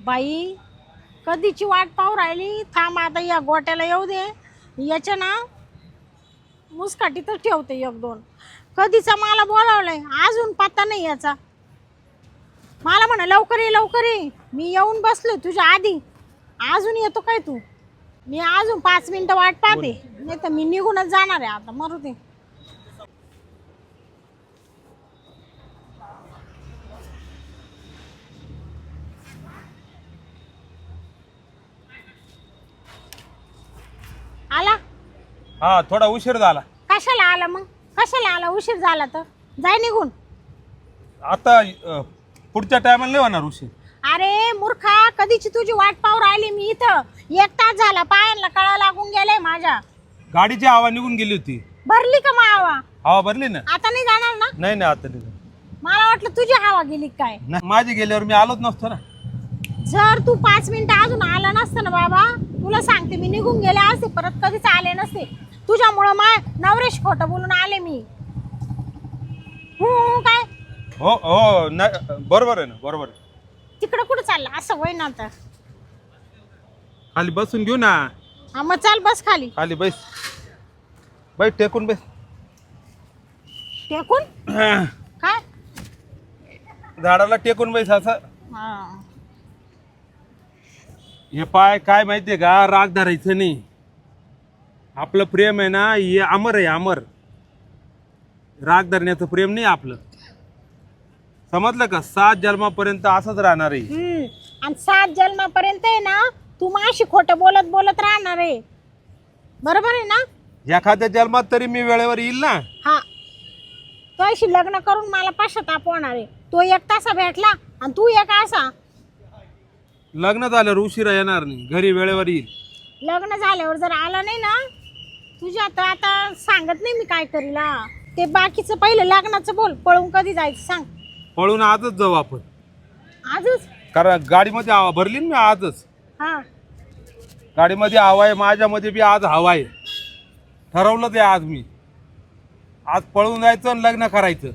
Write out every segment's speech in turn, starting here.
बाई कधीची वाट पाहू राहिली. थांब आता या गोट्याला येऊ दे. याच्या ना मुसकाटीतच ठेवते एक दोन. कधीचा मला बोलावलंय अजून पत्ता नाही याचा. मला म्हणा लवकर ये लवकर ये. मी येऊन बसलो तुझ्या आधी. अजून येतो काय तू? मी अजून 5 मिनिटं वाट पाहते. नाही तर मी निघूनच जाणार आहे आता. मरू दे. आला? हा थोडा उशीर झाला. कशाला आला मग? कशाला आला? उशीर झाला तर जाय निघून. आता पुढच्या टायमाला नाही होणार उशीर. अरे मूर्खा कधीची तुझी वाट पाहू राहिली मी इथं. 1 तास झाला. पायांना कळा लागून गेलाय माझ्या. गाडीची हवा निघून गेली होती. भरली का मावा? हवा भरली ना? आता नाही जाणार ना? नाही नाही आता नाही. मला वाटलं तुझी हवा गेली काय. नाही, माझी गेल्यावर मी आलोच नसतो ना. जर तू 5 मिनिटं अजून आला नसता ना बाबा, तुला सांगते मी निघून गेले असते. परत कधीच आले नसते. तुझ्यामुळं नवरेश खोटं बोलून आले मी. काय हो हो बरोबर आहे ना बरोबर आहे. तिकडं कुठं चाललं? असं होय ना आता. खाली बसून घेऊ ना. हा मग चाल बस खाली. खाली बैस. बैस टेकून बैस. टेकून काय? झाडाला टेकून बैस असं. हा. हे पाय काय माहितीये का, राग धरायचं नाही. आपलं प्रेम आहे ना हे अमर आहे अमर. राग धरण्याचं प्रेम नाही आपलं. समजलं का? 7 जन्मापर्यंत असंच राहणार आहे. आणि 7 जन्मापर्यंत आहे ना तू माझी खोटं बोलत बोलत राहणार आहे. बरोबर आहे ना? एखाद्या जन्मात तरी मी वेळेवर येईल ना. हा. तो अशी लग्न करून मला पश्चाताप होणार आहे. तो 1 तासा भेटला आणि तू 1 असा. लग्न झाल्यावर उशिरा येणार नाही. घरी वेळेवर येईल. लग्न झाल्यावर जर आला नाही ना तुझ्या आता सांगत नाही मी काय करील. ते बाकीचं पहिलं लग्नाचं बोल. पळून कधी जायचं सांग? पळून आजच जाऊ आपण. आजच? कारण गाडीमध्ये हवा भरली ना मी आजच. हा. गाडीमध्ये हवा आहे. माझ्यामध्ये बी आज हवा आहे. ठरवलं ते आज मी. आज पळून जायचं आणि लग्न करायचं.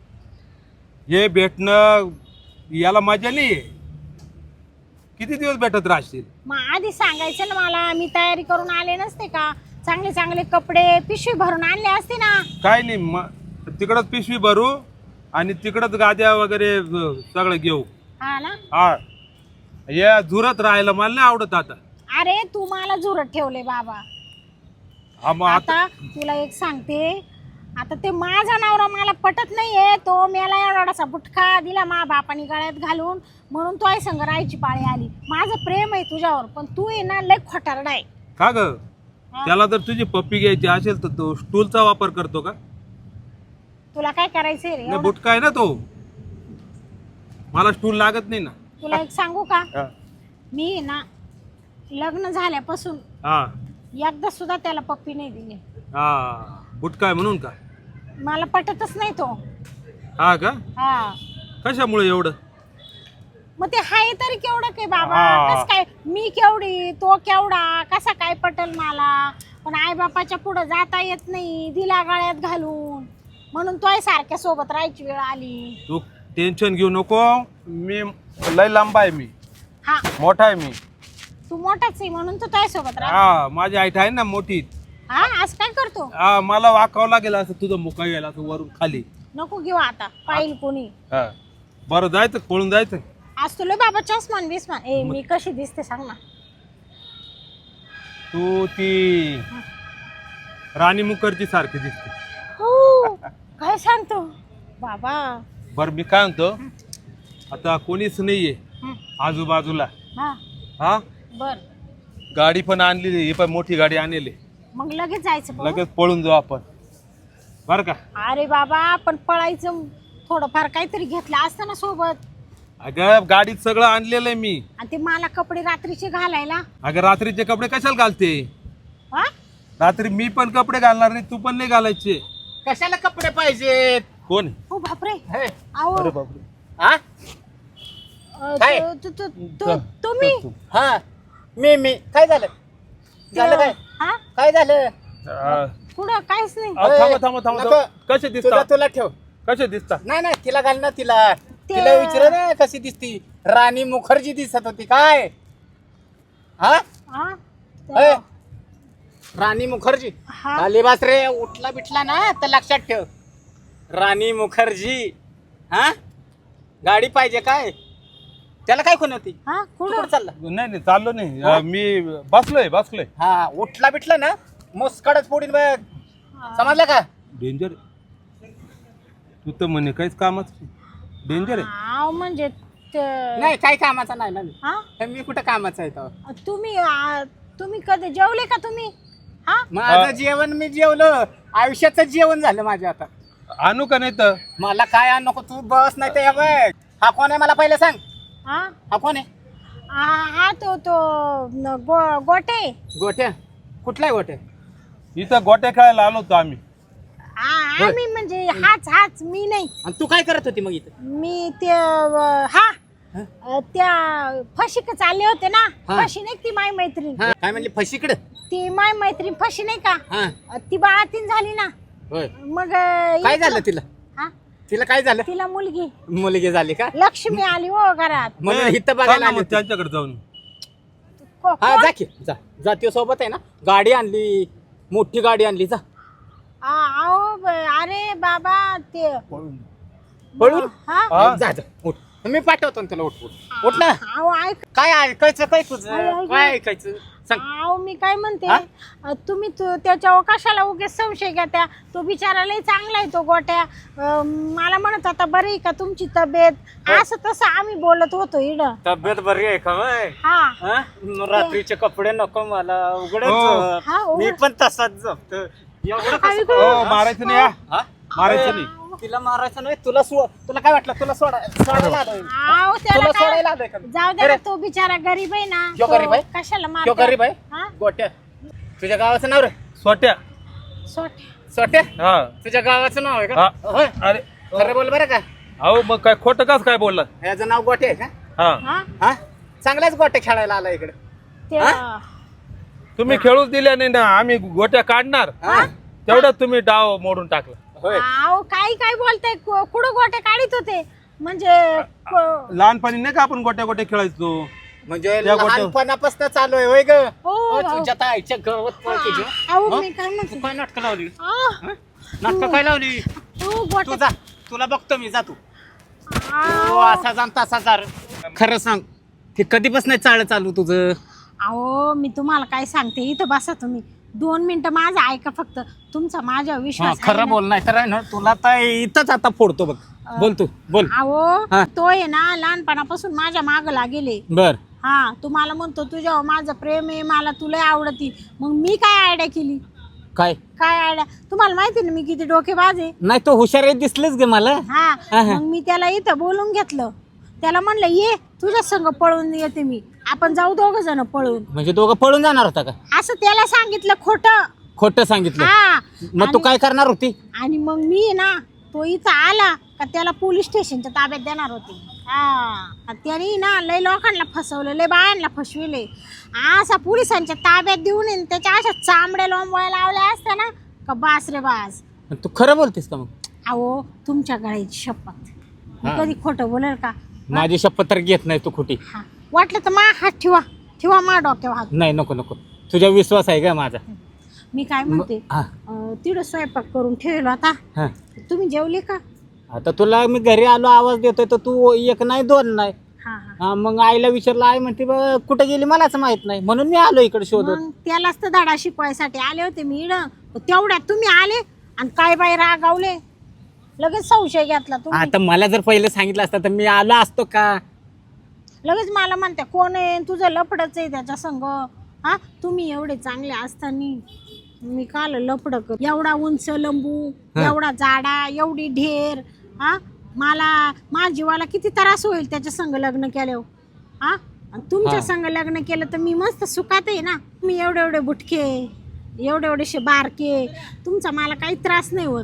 हे भेटणं याला मजा नाही आहे. किती दिवस भेटत राहशील? मग आधी सांगायचं ना मला. मी तयारी करून आले नसते का? चांगले चांगले कपडे पिशवी भरून आणले असते ना. काय नाही तिकडच पिशवी भरू आणि तिकडच गाद्या वगैरे सगळं घेऊ. हा ना? हा. या झुरत राहायला मला नाही आवडत आता. अरे तू मला झुरत ठेवले बाबा. हा मग आता तुला एक सांगते. आता ते माझा नवरा मला पटत नाहीये. तो मेला एवढासा बुटका दिला मा बापानी गळ्यात घालून म्हणून तो आई संग राहायची पाळी आली. माझं प्रेम आहे तुझ्यावर पण तू आहे ना लय खोटारडा आहे. का ग? त्याला जर तुझी पप्पी घ्यायची असेल तर तो स्टूलचा वापर करतो का? तुला काय करायचंय रे? नाही बुटका आहे ना तो. मला स्टूल लागत नाही ना. तुला एक सांगू का? हा. मी ना लग्न झाल्यापासून हा एकदा सुद्धा त्याला पप्पी नाही दिली. हा बुटका आहे म्हणून का? मला पटतच नाही तो. हा का? हा. कशामुळे एवढं? मग ते हाय तरी केवढं काय बाबा? हा. कस काय मी केवढी तो केवढा? कसा काय पटल मला? पण आई बापाच्या पुढे जाता येत नाही. दिला गळ्यात घालून म्हणून तोय सारख्या सोबत राहायची वेळ आली. तू टेन्शन घेऊ नको. मी लय लांब आहे. मी हा. मोठा आहे मी. तू मोठाच आहे म्हणून तू तोय सोबत राह. हा माझी हाईट आहे ना मोठी. हा आज काय करतो? हा मला वाकावं लागेल असं तुझं मुका गेला असं वरून खाली. नको घेऊ आता. पाहिल कोणी. हा बरं जायचं पळून जायचं. आज तुला बाबा चष्मान बिस्मान. ए मी कशी दिसते सांग ना? तू ती राणी मुखर्जी सारखी दिसते. हो काय सांगतो बाबा? बरं मी काय म्हणतो आता कोणीच नाहीये हं. आजूबाजूला. हा हा बर. गाडी पण आणलेली. ही पण मोठी गाडी आणलेली. मग लगेच जायचं बघू. लगेच पळून जाऊ आपण बरं का? अरे बाबा पण पळायचं थोडंफार काहीतरी घेतलं असतं ना सोबत. अगं गाडीत सगळं आणलेलं आहे मी. आणि ते मला कपडे रात्रीचे घालायला. अगं रात्रीचे कपडे कशाला घालते? हा? रात्री मी पण कपडे घालणार नाही. तू पण नाही घालायचे. कशाला कपडे पाहिजेत? कोण? हो बापरे. हे, अहो अरे बापरे. हा काय? तुम्ही हा मी काय झालं? झालं काय? हा काय झालं? पुढं काहीच नाही. थांबा थांबा थांबा. नको. कसे तुला दिसतात? तुला ठेव. कसे दिसतात? नाही नाही तिला घाल ना. तिला तिला विचार ना कशी दिसती. राणी मुखर्जी दिसत होती काय? हा हा? ए, राणी मुखर्जी. हा. खाली बस रे. उठला बिठला ना तर लक्षात ठेव. राणी मुखर्जी. हा गाडी पाहिजे काय? त्याला काय खून होती? हा तू कुठं कुठं चालला? नाही चाललो नाही. मी बसलोय. हा उठला बिठला ना मुस्कडच फोडीन बघ. समजलं का? डेंजर. तू तर म्हणे काहीच कामच डेंजर आहे. आव म्हणजे नाही काही कामाचा नाही ना मी. हा मी कुठं कामाचा आहे तेव्हा? तुम्ही कधी जेवले का तुम्ही? हा माझं जेवण मी जेवलो. आयुष्याचं जेवण झालं माझं आता. आणू का नाही तर? मला काय आण नको तू बस नाही तर हे बघ. हा कोण आहे मला पहिलं सांग. हा हा कोण आहे? हा गोटे. गोट्या. कुठला गोट्या? इथं गोट्या खेळायला आलो होतो आम्ही. आम्ही म्हणजे हाच मी नाही. आणि तू काय करत होती मग इथं? मी ते त्या फशीक चालले होते ना. हा. फशी नाही ती माय मैत्रीण. हा काय म्हणली फशीकडं? ती माय मैत्रीण फशी नाही का? हा ती बाळातीन झाली ना. होय. मग काय झालं तिला? हा? तिला काय झालं? तिला मुलगी मुलगी झाली का? लक्ष्मी आली हो घरात. म्हणून इथं चल बघायला ना आली मग होती. त्यांच्याकडे जाऊन. हा कोण? जा की जा त्यो सोबत आहे ना. गाडी आणली मोठी गाडी आणली जा. अरे बाबा ते पळून हा हा? जा जा उठ. मी पाठवतो ना तुला. उठ ना. अहो ऐक. काय ऐकायचं काय तुझं? ऐक. काय ऐकायचं सांग. अहो मी काय म्हणते हा? तुम्ही त्याच्यावर कशाला उगेच संशय घ्या. त्या बिचारा लय चांगला आहे तो गोट्या. मला म्हणत आता बरी का तुमची तब्येत असं तसं आम्ही बोलत होतो इड. तब्येत बरी आहे का वय? हा रात्रीचे कपडे नको मला उघडच हो. झोप. हा, उघड. मी पण तसाच झोपतो. एवढं कसं? ऐक. हो मारायचं नाही. हा? मारायचं नाही. तिला मारायचं नाही. तुला काय वाटलं? तुला सोडायला आलोय. अहो त्याला तुला काय सोडायला आलोय का मी? जाऊ दे ना, तो बिचारा गरीब आहे ना. क्यों तो गरीब आहे? कशाला क्यों मारतो? गरीब आहे? हा? गोट्या. तुझ्या गावाचं नाव रे? सोट्या. सोट- सोट्या. हा तुझ्या गावाचं नाव आहे हा. का? होय. अरे खरं बोल बरं का? अहो मग काय खोटं काच काय बोलला? याचं नाव गोट्या आहे का? हा हा? हा चांगलाच गोट्या खेळायला आला इकडे. ते तुम्ही खेळूच दिल्या नाही ना. आम्ही गोट्या काढणार हा? तेवढ्यात तुम्ही डाव मोडून टाकला. होय. अहो काय बोलताय कुठं गोटे काढीत होते म्हणजे लहानपणी नाही का आपण गोट्या खेळायचो. म्हणजे त्या गोट्या- लहानपणापासून चालू आहे होय ग? हो, हो, हो. तुझ्या ताईच्या गावात पळते ग. अहो मी काय तू म्हणते काय नाटकं लावली? आ, नाटकं काय लावली? तू तू गोटे जा. तुला बघतो मी. जा तू. तू असा जाण तसा जार. खरं सांग ते कधीपासून चाळ चालू तुझं? अहो मी तुम्हाला काय सांगते इथं बसा तुम्ही 2 मिनिटं माझं ऐका फक्त. तुमचा माझ्यावर हा, विश्वास आहे खरं ना? बोल नाही तर आहे ना तुला तर इथंच आता फोडतो बघ. बोल तू बोल. अहो हा. तो आहे ना लहानपणापासून माझ्या माग लागेले. बर. हा तुम्हाला म्हणतो तुझ्यावर माझं प्रेम आहे मला तुला आवडती. मग मी काय आयडिया केली? काय काय आयडिया तुम्हाला माहिती ना मी किती डोकेबाज आहे. नाही तो हुशार आहे दिसलेच गे मला. हा हा. मग मी त्याला इथं बोलून घेतलं. त्याला म्हणलं ये तुझ्या संग पळून येते मी. आपण जाऊ 2 जण पळून. म्हणजे दोघं पळून जाणार होता का? असं त्याला सांगितलं खोटं. खोटं सांगितलं. हा मग तू काय करणार होती? आणि मग मी आहे ना तो इथं आला का त्याला पोलीस स्टेशनच्या ताब्यात देणार होते. हा त्याने ना लय लोकांना फसवलं लय बायांना फसविले. असा पोलिसांच्या ताब्यात देऊन येईन त्याच्या अशा चांबड्या लोंबवायला लावल्या असत्या ना का बास रे बास. तू खरं बोलतेस का मग? अहो तुमच्या गळ्याची शपथ मी हा. कधी खोटं बोलेल का? माझी शपथ तर घेत नाही तू खोटी. हा वाटलं तर मा हात ठेवा मा डोक्यावर हात. नाही नको नको. तुझा विश्वास आहे का माझा? मी काय म्हणते हा. तिथं स्वयंपाक करून ठेवला होता. हा. तुम्ही जेवले का? आता तुला मी घरी आलो आवाज देतोय तर तू 1 नाही 2 नाही. हा हा हा मग आईला विचारलं. आई म्हणते "बा, कुठं गेली मलाच माहित नाही म्हणून मी आलो इकडे शोधत." मग त्यालाच तर धडा शिकवायसाठी आले होते मी इकडं. तेवढ्यात तुम्ही आले आणि काय बाई रागावले. लगेच संशय घेतला तुम्ही. आता मला जर पहिलं सांगितलं असतं तर मी आलो असतो का? लगेच मला म्हणते कोण आहे तुझं लफडच आहे त्याच्या संग. हा तुम्ही एवढे चांगले असताना मी काल लफड कर. एवढा उंच लंबू एवढा जाडा एवढी ढेर. हा मला माझ्या जीवाला किती त्रास होईल त्याच्या संग लग्न केल्यावर. हा आणि तुमच्या संग लग्न केलं तर मी मस्त सुखात आहे ना. मी एवढे बुटके एवढे बारके तुमचा मला काही त्रास नाही होत.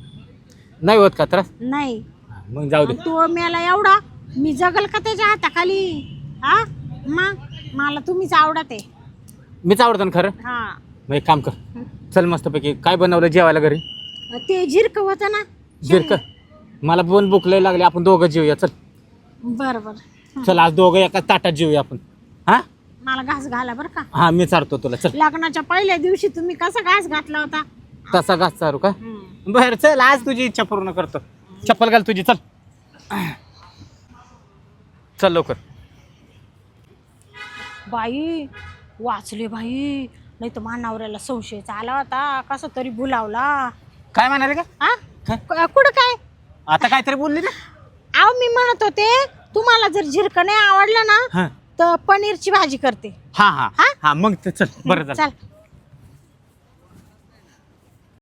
नाही होत का त्रास? नाही मग जाऊ दे. आणि तो मेला एवढा मी जगल का त्याच्या हाताखाली. हा मग मला तुम्हीच आवडत आहे. मीच आवडतो ना खरं. हा मग एक काम कर. चल मस्तपैकी काय बनवलं जेवायला घरी? ते झिरक होतं ना जिरक. मला पण भूक लय लागली. आपण दोघं जेऊया चल. बरं बरं. चल आज दोघं एकाच ताटात जेऊया आपण. हा मला घास घाला बरं का. हा मी चारतो तुला. चल लग्नाच्या पहिल्या दिवशी तुम्ही कसा घास घातला होता? तसा घास चारू का? बरं चल आज तुझी इच्छा पूर्ण करतो. चप्पल घाल तुझी. चल चल लवकर. बाई वाचले बाई, नाही तर मानावऱ्याला संशयच आला होता, कसा तरी बुलावला. काय म्हणाले का? हा काय? कुठं काय? आता काहीतरी बोलली ना. अहो मी म्हणत होते तुम्हाला जर झिरकं नाही आवडलं ना हा तर पनीरची भाजी करते. हा हा हा? हा मग ते चल बरं झालं. चल